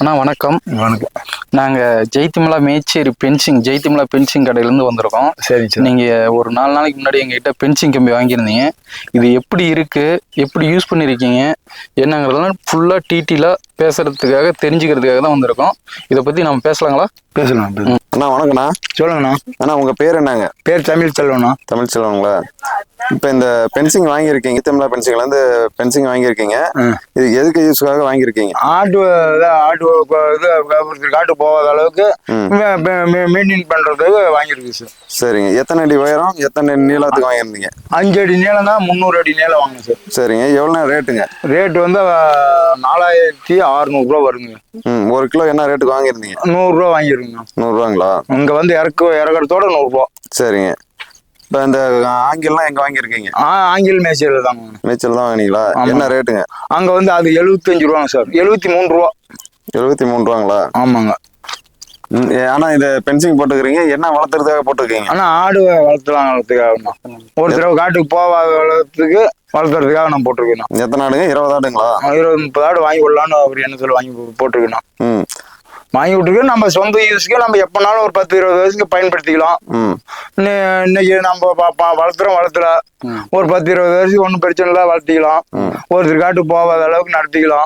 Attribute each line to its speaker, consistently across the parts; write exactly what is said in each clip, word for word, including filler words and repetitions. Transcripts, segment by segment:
Speaker 1: அண்ணா வணக்கம்.
Speaker 2: வணக்கம்.
Speaker 1: நாங்கள் ஜெய்திமலா மேச்சேரி பென்சிங் ஜெய்திமலா பென்சிங் கடையிலேருந்து வந்திருக்கோம்.
Speaker 2: சரி சார்.
Speaker 1: நீங்கள் ஒரு நாலு நாளைக்கு முன்னாடி எங்ககிட்ட பென்சிங் கம்பி வாங்கியிருந்தீங்க. இது எப்படி இருக்குது, எப்படி யூஸ் பண்ணியிருக்கீங்க என்னங்கிறதெல்லாம் ஃபுல்லாக டீட்டெயிலாக பேசுகிறதுக்காக தெரிஞ்சுக்கிறதுக்காக தான் வந்திருக்கோம். இதை பற்றி நம்ம பேசலாங்களா?
Speaker 2: பேசலாம்.
Speaker 3: அண்ணா வணக்கண்ணா.
Speaker 2: சொல்லுங்கண்ணா.
Speaker 3: அண்ணா உங்கள் பேர் என்னங்க?
Speaker 2: பேர் தமிழ் செல்வண்ணா.
Speaker 3: தமிழ் செல்வங்களா? இப்போ இந்த பென்சிங் வாங்கியிருக்கீங்க, ஜெய்திமலா பென்சிங்லேருந்து பென்சிங் வாங்கியிருக்கீங்க. இது எதுக்கு யூஸ்க்காக வாங்கியிருக்கீங்க?
Speaker 2: ஆட்டு ஆட்டு இது காட்டு போகாத அளவுக்கு மெயின்டைன் பண்ணுறதுக்கு வாங்கியிருக்கு சார்.
Speaker 3: சரிங்க. எத்தனை அடி உயரம், எத்தனை நீளத்துக்கு வாங்கியிருந்தீங்க?
Speaker 2: அஞ்சு அடி நீளம் தான், முந்நூறு அடி நீளம் வாங்கினேன் சார்.
Speaker 3: சரிங்க. எவ்வளோ ரேட்டுங்க?
Speaker 2: ரேட்டு வந்து நாலாயிரத்தி அறுநூறுவா வருங்க.
Speaker 3: ம் ஒரு கிலோ என்ன ரேட்டுக்கு வாங்கியிருந்தீங்க?
Speaker 2: நூறுரூவா வாங்கியிருக்குங்க.
Speaker 3: நூறுரூவாங்களா?
Speaker 2: இங்கே வந்து இறக்கு இறக்குறதோட நூறுரூவா.
Speaker 3: சரிங்க. இப்போ இந்த ஆங்கில்லாம் எங்கே வாங்கியிருக்கீங்க?
Speaker 2: ஆ ஆங்கில் மேய்ச்சல் தாங்க.
Speaker 3: மேய்ச்சல் தான் வாங்கினீங்களா? என்ன ரேட்டுங்க?
Speaker 2: அங்கே வந்து அது எழுபத்தஞ்சு ரூபாங்க சார். எழுபத்தி மூணு ரூபா.
Speaker 3: எழுபத்தி மூணு ரூபாங்களா?
Speaker 2: ஆமாங்க.
Speaker 3: ஆனால் இந்த பென்சிங் போட்டுக்கிறீங்க, என்ன வளர்த்துறதுக்காக போட்டுருக்கீங்க?
Speaker 2: ஆனால் ஆடு வளர்த்துலாம் வளர்த்துக்காக ஒரு தடவை காட்டுக்கு போகாத வளர்த்துக்கு வளர்த்துறதுக்காக நான் போட்டிருக்கேன்.
Speaker 3: எத்தனை ஆடுங்க? இருபது ஆடுங்களா?
Speaker 2: இருபது முப்பது ஆடு வாங்கி விடலான்னு அவர் என்ன சொல்லி வாங்கி போட்டிருக்கேன்.
Speaker 3: ம்
Speaker 2: வாங்கி விட்டுருக்கு. நம்ம சொந்த யூஸ்க்கு நம்ம எப்பனாலும் ஒரு பத்து இருபது வயசுக்கு பயன்படுத்திக்கலாம். இன்னைக்கு நம்ம வளர்த்துறோம் வளர்த்துல ஒரு பத்து இருபது வயசுக்கு ஒன்றும் பிரச்சனை இல்லை, வளர்த்திக்கலாம். ஒருத்தர் காட்டு போகாத அளவுக்கு நடத்திக்கலாம்.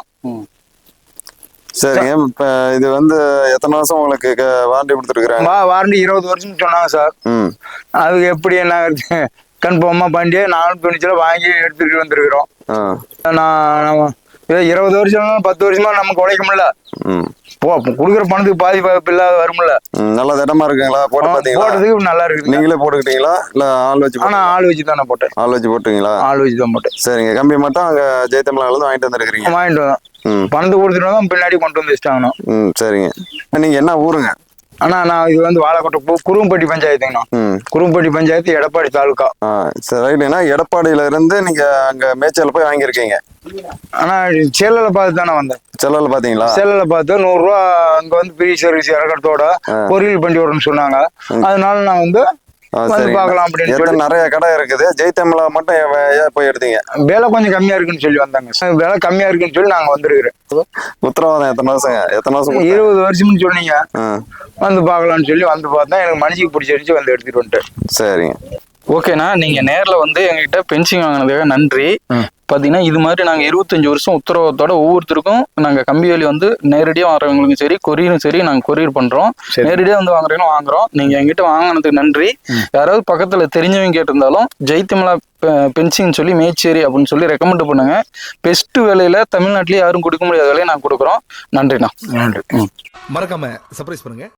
Speaker 3: சரிங்க. இப்ப இது வந்து எத்தனை வருஷம் உங்களுக்கு வாரண்டி கொடுத்துருக்காங்க?
Speaker 2: வாரண்டி இருபது வருஷம் சொன்னாங்க சார். அதுக்கு எப்படி என்ன கன்ஃபார்மா பண்ணியே நானும் துணிச்சல வாங்கி எடுத்துட்டு வந்திருக்கிறோம். நான் இருபது வருஷம் பத்து வருஷமா நமக்கு உழைக்க முடியல. போ குடுக்குற பணத்துக்கு பாதி வாய்ப்பு இல்லாத வரும்ல.
Speaker 3: நல்ல திடமா இருக்குங்களா? போட்டு பாத்தீங்களா?
Speaker 2: போட்டதுக்கு நல்லா இருக்கு.
Speaker 3: நீங்களே போட்டுக்கிட்டீங்களா இல்ல ஆள் வச்சு?
Speaker 2: ஆனா ஆள் வச்சு தானே போட்டேன்.
Speaker 3: ஆள் வச்சு போட்டுங்களா?
Speaker 2: ஆள் வச்சு தான் போட்டேன்.
Speaker 3: சரிங்க. கம்பி மட்டும் அங்க ஜெய்திமலால இருந்து வாங்கிட்டு வந்துருக்கீங்க?
Speaker 2: வாங்கிட்டு வந்தோம். பணத்தை கொடுத்துட்டு தான் பின்னாடி கொண்டு வந்து வச்சுட்டாங்கண்ணா. ம்
Speaker 3: சரிங்க. நீங்க என்ன ஊருங்க?
Speaker 2: அண்ணா நான் இது வந்து வாழைக்கோட்டை குரும்பட்டி பஞ்சாயத்துங்கண்ணா. குரும்பட்டி பஞ்சாயத்து, எடப்பாடி தாலுக்கா.
Speaker 3: சரி ரைட்டுண்ணா. எடப்பாடியில இருந்து நீங்க அங்க மேய்ச்சல் போய் வாங்கியிருக்கீங்க?
Speaker 2: ஆனா செல்லல பார்த்து தானே வந்தேன்.
Speaker 3: செல்லல பாத்தீங்களா?
Speaker 2: செல்லல பார்த்து நூறு ரூபா அங்க வந்து ஃப்ரீ சர்வீஸ் இறக்கறதோட பொரியல் பண்ணி வரணும்னு சொன்னாங்க. அதனால நான் வந்து பாக்கலாம் அப்படின்னு.
Speaker 3: நிறைய கடை இருக்குது. ஜெய்திமலா மட்டும் ஏன் போய் எடுத்தீங்க?
Speaker 2: விலை கொஞ்சம் கம்மியா இருக்குன்னு சொல்லி வந்தாங்க. விலை கம்மியா இருக்குன்னு சொல்லி நாங்க வந்துருக்கிறேன்.
Speaker 3: உத்தரவாதம் எத்தனை வருஷங்க? எத்தனை வருஷம்?
Speaker 2: இருபது வருஷம்னு சொன்னீங்க. வந்து பாக்கலாம்னு சொல்லி வந்து பார்த்தா எனக்கு மனசுக்கு பிடிச்சிருச்சு, வந்து எடுத்துட்டு வந்துட்டேன்.
Speaker 3: சரிங்க.
Speaker 1: ஓகேண்ணா. நீங்க நேர்ல வந்து எங்ககிட்ட பென்சிங் வாங்கினதுக்காக நன்றி. பாத்தீங்கன்னா இது மாதிரி நாங்க இருபத்தஞ்சு வருஷம் உத்தரவாதத்தோட ஒவ்வொருத்தருக்கும் நாங்க கம்பி வேலி வந்து நேரடியா வாங்குறவங்களுக்கும் சரி, கொரியரும் சரி நாங்க கொரியர் பண்றோம். நேரடியா வந்து வாங்குறீங்களும் வாங்குறோம். நீங்க எங்கிட்ட வாங்கினதுக்கு நன்றி. யாராவது பக்கத்துல தெரிஞ்சவங்க கேட்டிருந்தாலும் ஜெய்திமலா பென்சிங் சொல்லி மேச்சேரி அப்படின்னு சொல்லி ரெக்கமெண்ட் பண்ணுங்க. பெஸ்ட் வேலையில தமிழ்நாட்டிலேயே யாரும் கொடுக்க முடியாத வேலையை நாங்க கொடுக்குறோம். நன்றிண்ணா.
Speaker 2: நன்றி.
Speaker 4: மறக்காம சர்ப்ரைஸ் பண்ணுங்க.